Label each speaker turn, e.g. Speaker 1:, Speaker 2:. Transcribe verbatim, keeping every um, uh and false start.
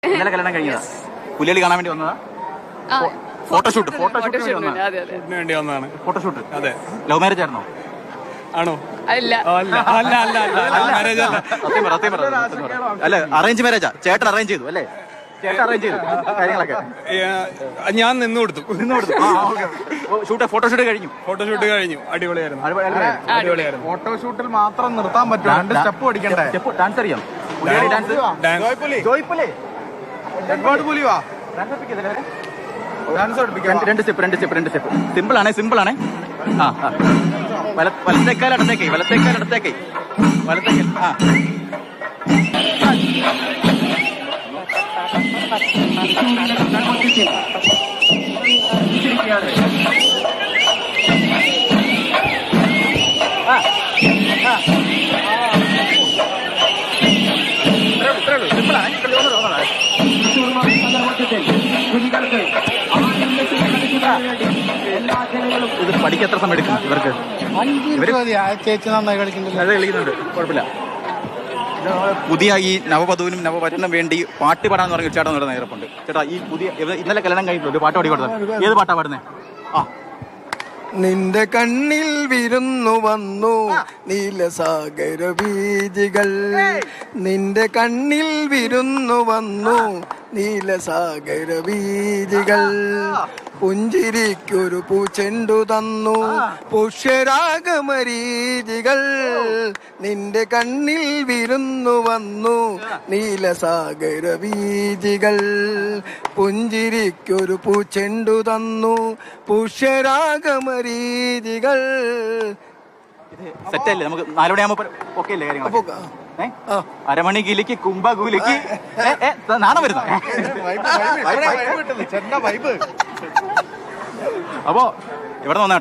Speaker 1: ഇന്നലെ കല്യാണം കഴിഞ്ഞതാ. പുലികളി കാണാൻ വേണ്ടി വന്നതാ. ഫോട്ടോഷൂട്ട് ഫോട്ടോഷൂട്ട്
Speaker 2: വേണ്ടി വന്നതാണ്.
Speaker 1: ഫോട്ടോഷൂട്ട്.
Speaker 2: അതെ.
Speaker 1: ലവ് മാരേജ് ആയിരുന്നോ?
Speaker 2: ആണോ?
Speaker 3: അല്ല
Speaker 2: അല്ല അല്ല അല്ല മാരേജ് അല്ല.
Speaker 1: സത്യം പറ, സത്യം പറ, സത്യം പറ. അല്ല, അറേഞ്ച് മാരേജാ. ചേട്ടൻ അറേഞ്ച് ചെയ്തു അല്ലേ? ചേട്ടൻ അറേഞ്ച് ചെയ്തു കാര്യങ്ങളൊക്കെ.
Speaker 2: ഞാൻ നിന്ന് കൊടുത്തു
Speaker 1: നിന്ന് കൊടുത്തു. ഷൂട്ട് ഫോട്ടോഷൂട്ട് കഴിഞ്ഞു.
Speaker 2: ഫോട്ടോഷൂട്ട് കഴിഞ്ഞു. അടിപൊളിയായിരുന്നു. അടിപൊളിയായിരുന്നു.
Speaker 4: ഫോട്ടോഷൂട്ടിൽ മാത്രം നിർത്താൻ പറ്റുമോ? രണ്ട് സ്റ്റെപ്പ് പഠിക്കണ്ടേ?
Speaker 1: സ്റ്റെപ്പ് ഡാൻസ് അറിയാം. ഡാൻസ് ജോയ്പുലി
Speaker 4: ഒരുപാട് പുലി വാ ഡാൻസ്
Speaker 1: രണ്ട് സ്റ്റെപ്പ് രണ്ട് സ്റ്റെപ്പ് രണ്ട് സ്റ്റെപ്പ്. സിമ്പിൾ ആണേ, സിമ്പിൾ ആണേ. ആ ആ വലത്തേക്കാൽ ഇടത്തേക്കൈ, വലത്തേക്കാൽ ഇടത്തേക്കൈ, വലത്തേക്കൽ. ആ സിമ്പിളാണ്. ഇത് പഠിക്കാൻ എത്ര സമയം എടുക്കും ഇവർക്ക്?
Speaker 4: ചേച്ചി നന്നായി കളിക്കുന്നുണ്ട്.
Speaker 1: നല്ല കളിക്കുന്നുണ്ട്, കുഴപ്പമില്ല. പുതിയ ഈ നവവധുവിനും നവവരനും വേണ്ടി പാട്ട് പാടാന്ന് പറഞ്ഞ ചേട്ടൻ നടന്ന നേരപ്പുണ്ട്. ചേട്ടാ, ഈ പുതിയ ഇന്നലെ കല്യാണം കഴിഞ്ഞിട്ടുള്ളൂ, ഒരു പാട്ട് പാടി കൊടുത്തത്. ഏത് പാട്ടാ പാടുന്നേ? ആ
Speaker 5: നിന്റെ കണ്ണിൽ വിരുന്നു വന്നു നീലസാഗര ബീജികൾ, നിന്റെ കണ്ണിൽ വിരുന്നു വന്നു നീലസാഗര ബീജികൾ, പുഞ്ചിരിക്കൊരു പൂച്ചെണ്ടു തന്നു പുഷ്യരാഗമരീചികൾ, നിന്റെ കണ്ണിൽ വിരുന്നു വന്നു നീലസാഗര ബീജികൾ, പുഞ്ചിരിക്കൊരു പൂച്ചെണ്ടു തന്നു പുഷ്യരാഗമരീചികൾ.
Speaker 1: സെറ്റല്ലേ? നമുക്ക് നാലുമണിയാകുമ്പോ ഓക്കെ അല്ലേ കാര്യങ്ങൾ? അരമണി കിലിക്ക് കുംഭകൂലിക്ക് നാണം വരുന്ന. അപ്പോ ഇവിടെ വന്ന